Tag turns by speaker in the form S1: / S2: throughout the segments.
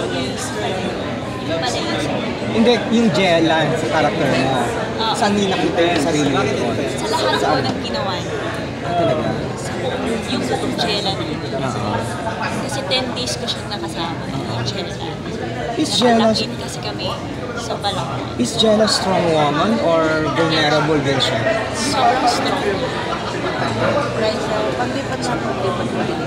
S1: Yung pala yung
S2: Hindi, yung Jella sa character mo. Saan niyo nakita yung sarili mo doon?
S1: sa lahat ko ng ginawa niya.
S2: Talaga?
S1: Yung buong Jella na. Kasi 10 days ko siyang nakasama. Yung Jella.
S2: Is Jella,
S1: Nakatapin kasi kami sa Balak.
S2: is Jella strong woman or vulnerable din siya?
S1: Sobrang strong.
S3: Right, so paglipat na paglipat mo din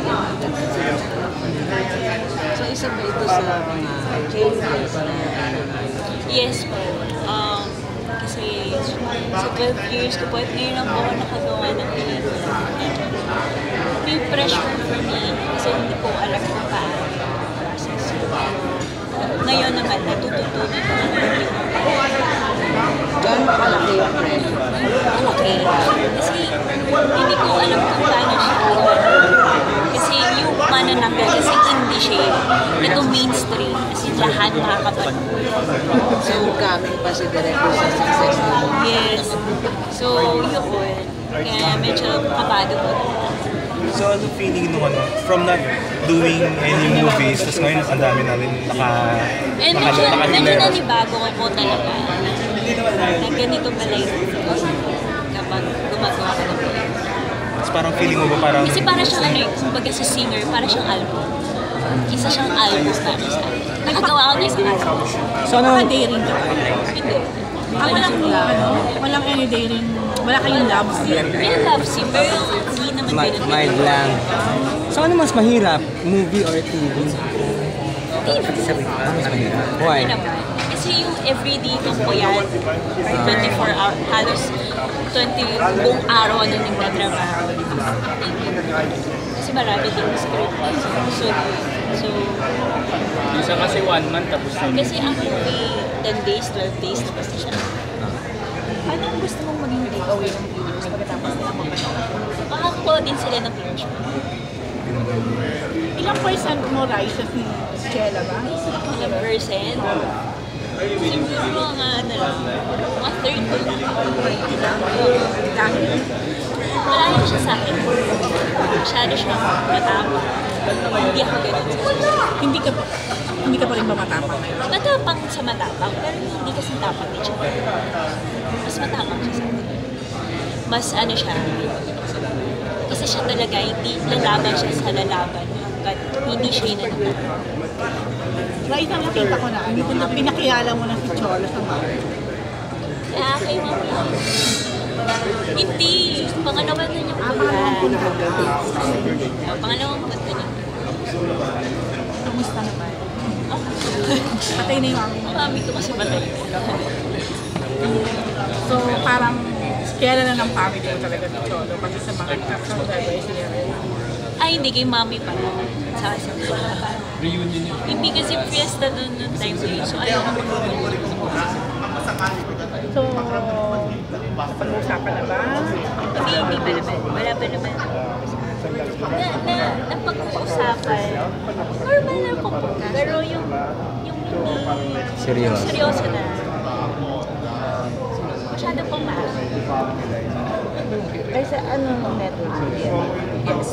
S3: so isa ba ito sa mga changes na
S1: Yes po. Kasi sa 12 years ko po, at ngayon lang po ako nakagawa ng pelikula. May pressure for me kasi hindi ko alam kung paano yung process. Ngayon naman, natututunan ko ng
S3: gano'n kalaki yung pressure?
S1: malaki. Kasi hindi ko alam kung paano siya gawin. Kasi yung manananggal, kasi hindi siya ito mainstream. Kasi lahat makakapanood.
S3: So coming pa si director sa success mo?
S1: Yes. So, yun. Kaya medyo kabado ko.
S4: So ano feeling nung from not doing any movies, tapos ngayon ang dami namin
S1: Medyo nanibago ko po talaga. Na ganito pala yung kapag gumagawa ka ng pelikula.
S4: Tapos parang feeling mo ba parang...
S1: Kasi para siyang kumbaga sa singer, para siyang album. Isa siyang album para sa akin. Nakagawa ako ng isang album.
S2: So ano?
S5: Daring ka.
S1: Hindi.
S5: Walang any daring, wala kayong love scene.
S1: May love scene, pero hindi naman ganun.
S2: Mild lang. So ano mas mahirap? Movie or TV? Why?
S1: Ano naman? Kasi yung everyday kang po yan, 24 hours, halos 20 buong araw na nagtatrabaho. Kasi marami din script. So,
S6: Minsan kasi 1 month tapos na.
S1: kasi ang movie, 10 days, 12 days, tapos na siya.
S5: Ano ang gusto mong maging takeaway ng viewers pagkatapos nila mapanood?
S1: Makakakuha din sila ng closure.
S5: Ilang percent mo, Raisa, si Jella ba?
S1: Ilang percent? Siguro mga ano lang, mga 30 lang.
S5: Dahil
S1: Malayo siya sa akin. Masyado siyang matapang. Hindi ako ganun.
S5: hindi ka pa rin ba matapang ngayon?
S1: Matapang sa matapang, pero hindi kasi tapang din siya. Mas matapang siya sa akin. Mas ano siya, kasi siya talaga, hindi lalaban siya sa lalaban hanggat hindi siya yung nanatapang.
S5: Raisa, nakita ko na pinakilala mo na si Cholo sa mga.
S1: Kaya kay mami. Hindi. Pangalawan na niya po pangalawang punta niya.
S5: Kamusta naman? Patay na yung mami.
S1: Ang mami ko kasi patay.
S5: So parang kaya na ng family mo talaga si Cholo kasi sa mga advice niya.
S1: Ay, hindi kay mami pa. Sa
S6: Reunion yun.
S1: hindi kasi fiesta doon noong time na yun. So, ayaw ko
S5: So, napag-uusapan na ba?
S1: hindi pa naman. Wala pa naman. Napag-uusapan. Normal na po po. Pero yung hindi seryoso na. Masyado pong mahal.
S3: Ay sa anong network?
S1: Yes.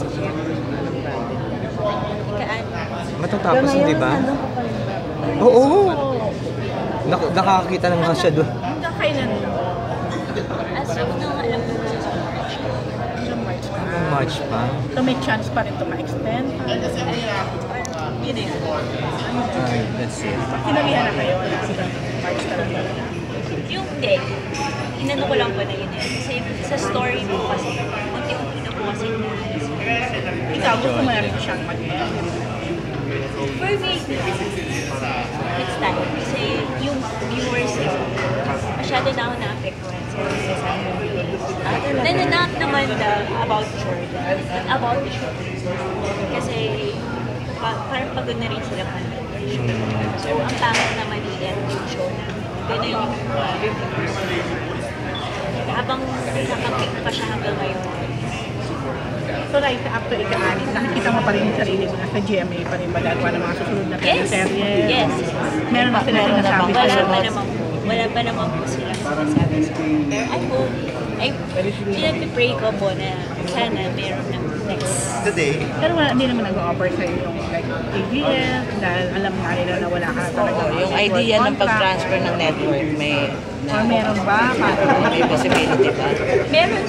S1: Ikaan.
S2: Matatapos na, di ba?
S3: Ano pa pala?
S2: Oo. Nakakakita na nga siya doon.
S5: Hanggang kailan na?
S1: As of now, alam ko na sa
S5: Hanggang March pa.
S2: March pa.
S5: So may chance pa rin ito ma-extend.
S1: yun na yun.
S2: Ay, that's it.
S5: Sinalihan na kayo na hanggang March talaga.
S1: Yung hindi. Inano ko lang po na yun eh. Kasi sa story mo kasi, unti-unti na po kasi
S5: Ikaw, gusto mo na rin siyang mag-end.
S1: for me, it's time. Kasi yung viewers, masyado na ako na-apektuhan sa sasabi ng viewers. Not naman about Jordan, but about the show. Kasi parang pagod na rin sila panood. So, ang pangit naman i-end yung show na gano'n yung reviewers. Habang nakapik pa siya hanggang ngayon.
S5: So right after ika-anin, nakikita mo pa rin yung sarili mo na sa GMA pa rin magagawa ng mga susunod na teleserye.
S1: Yes.
S5: Meron na sila sinasabi
S1: Wala
S5: sa'yo.
S1: pa naman po. Wala pa naman po silang sinasabi sa akin. Pero I hope, pinag-pray ko po na sana meron ng next.
S5: Pero hindi naman nag-offer sa'yo yung like ABS dahil alam nga nila na wala ka na talaga.
S3: Yung idea ng pag-transfer ng network, may
S5: Or meron ba?
S3: may possibility ba?
S1: Meron.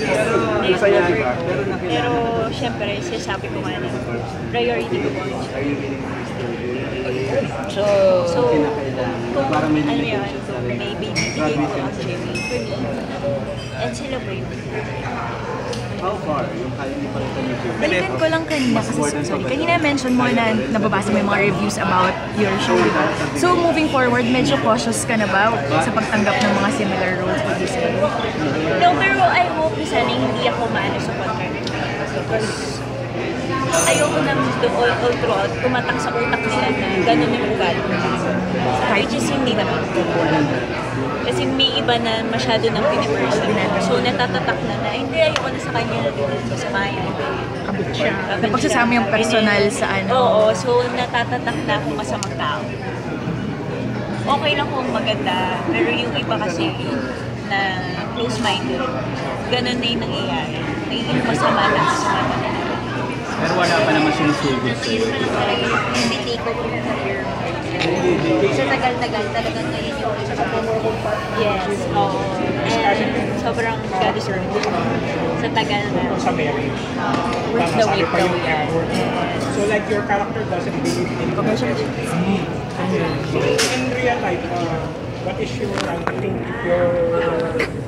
S1: Pero syempre, sinasabi ko nga na priority ko po.
S3: So,
S1: So, kung ano yun, kung may bibigay ko actually for me, and sila po yun.
S7: Balikan ko lang kanina kasi, sorry, kanina mention mo na nababasa mo yung mga reviews about your show, diba? So, moving forward, medyo cautious ka na ba sa pagtanggap ng mga similar roles for this year?
S1: No, pero I hope na sana hindi ako maano sa contract. Because ayoko nang all throughout tumatak sa utak nila na gano'n yung ugali. Which is hindi naman. Kasi may iba na masyado nang piniperson. So natatatak na hindi, ayoko na sa kanya na masama yan.
S5: Kabit siya.
S7: Napagsasama yung personal sa ano.
S1: Oo, so natatatak na akong masamang tao. Okay lang kung maganda, pero yung iba kasi na close-minded, ganun na yung nangyayari. Nagiging masama na sa mata nila.
S6: Pero wala pa naman sinusugod sa'yo.
S1: Hindi take over yung career. Sa tagal-tagal talagang ngayon yung yes, oo. And sobrang ka-deserve. Sa tagal na.
S5: Sa marriage.
S1: With the weight that we are.
S5: So like your character doesn't believe in in real life, what is your, I think, your